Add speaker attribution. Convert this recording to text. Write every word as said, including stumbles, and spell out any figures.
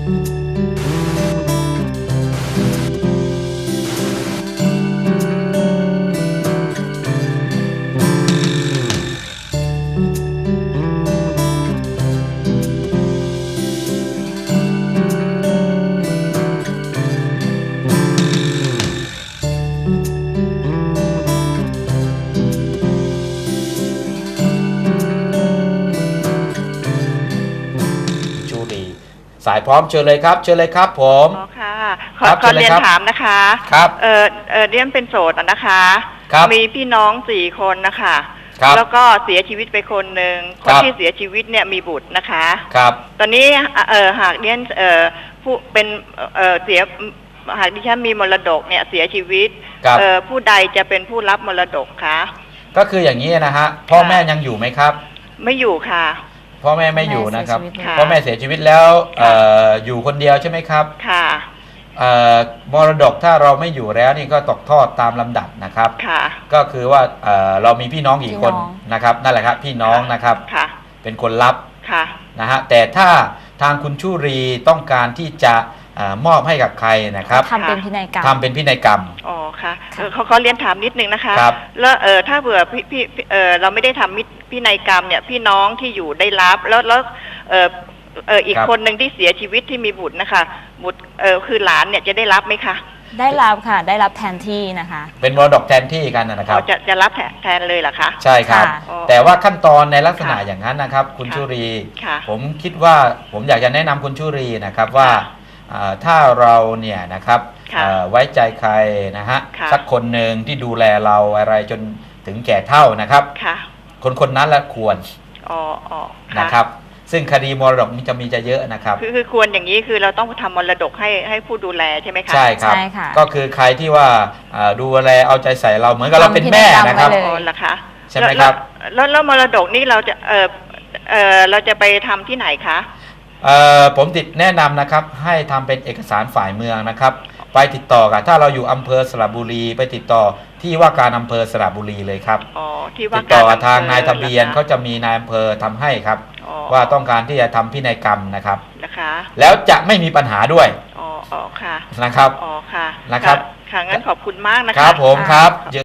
Speaker 1: สายพร้อมเชิญเลยครับเชิญเลยครับผม
Speaker 2: อ๋อค่ะขอขอเรียนถามนะคะ
Speaker 1: ครับ
Speaker 2: เออเออเรียนเป็นโสดนะคะ
Speaker 1: ครับ
Speaker 2: มีพี่น้องสี่คนนะคะแล้วก็เสียชีวิตไปคนหนึ่งคนที่เสียชีวิตเนี่ยมีบุตรนะคะ
Speaker 1: ครับ
Speaker 2: ตอนนี้เออหากเรียนเออผู้เป็นเออเสียหากดิฉันมีมรดกเนี่ยเสียชีวิตเออผู้ใดจะเป็นผู้รับมรดกคะ
Speaker 1: ก็คืออย่างนี้นะฮะพ่อแม่ยังอยู่ไหมครับ
Speaker 2: ไม่อยู่ค่ะ
Speaker 1: พ่อแม่ไม่อยู่นะครับพ่อแม่เสียชีวิตแล้วอยู่คนเดียวใช่ไหมครับ
Speaker 2: ค่ะ
Speaker 1: มรดกถ้าเราไม่อยู่แล้วนี่ก็ตกทอดตามลำดับนะครับ
Speaker 2: ค่ะ
Speaker 1: ก็คือว่าเรามีพี่น้องกี่คนนะครับนั่นแหละครับพี่น้องนะครับ
Speaker 2: ค่ะ
Speaker 1: เป็นคนรับ
Speaker 2: ค่ะ
Speaker 1: นะฮะแต่ถ้าทางคุณชุรีต้องการที่จะมอบให้กับใครนะครับ
Speaker 3: ทำเป็นพินัยกรรม
Speaker 1: ทำเป็นพินัยกรรม
Speaker 2: อ๋อค่ะเขาเขาเรียนถามนิดนึงนะคะแล้วเออถ้าเผื่อพี่พี่เออเราไม่ได้ทำพินัยกรรมเนี่ยพี่น้องที่อยู่ได้รับแล้วแล้วเออเอออีกคนหนึ่งที่เสียชีวิตที่มีบุตรนะคะบุตรเออคือหลานเนี่ยจะได้รับไหมคะ
Speaker 3: ได้รับค่ะได้รับแทนที่นะคะ
Speaker 1: เป็นมรดกแทนที่กันนะครับ
Speaker 2: จะจะรับแทนเลยเหรอคะ
Speaker 1: ใช่ครับแต่ว่าขั้นตอนในลักษณะอย่างนั้นนะครับคุณชุรีผมคิดว่าผมอยากจะแนะนำคุณชุรีนะครับว่าถ้าเราเนี่ยนะครับไว้ใจใครนะฮะสักคนหนึ่งที่ดูแลเราอะไรจนถึงแก่เฒ่านะครับคนคนนั้นละควรนะครับซึ่งคดีมรดกมันจะมีจะเยอะนะครับ
Speaker 2: คือคือควรอย่างนี้คือเราต้องทำมรดกให้ให้ผู้ดูแลใช่ไหมคะ
Speaker 1: ใช่ครับก็คือใครที่ว่าดูแลเอาใจใส่เราเหมือนกับเราเป็นแม่นะครับใช่ไหมครับ
Speaker 2: แล้วแล้วมรดกนี่เราจะเออเออเราจะไปทำที่ไหนคะ
Speaker 1: ผมติดแนะนำนะครับให้ทำเป็นเอกสารฝ่ายเมืองนะครับไปติดต่อกับถ้าเราอยู่อำเภอสระบุรีไปติดต่อที่ว่าการอำเภอสระบุรีเลยครับติดต่อทางนายทะเบียนเขาจะมีนายอำเภอทำให้ครับว่าต้องการที่จะทำพินัยกรรมนะครับแล้วจะไม่มีปัญหาด้วย
Speaker 2: อ๋อค่ะ
Speaker 1: นะครับ
Speaker 2: อ๋อค่ะ
Speaker 1: นะครับ
Speaker 2: ค่ะงั้นขอบคุณมากนะคะ
Speaker 1: ครับผมครับ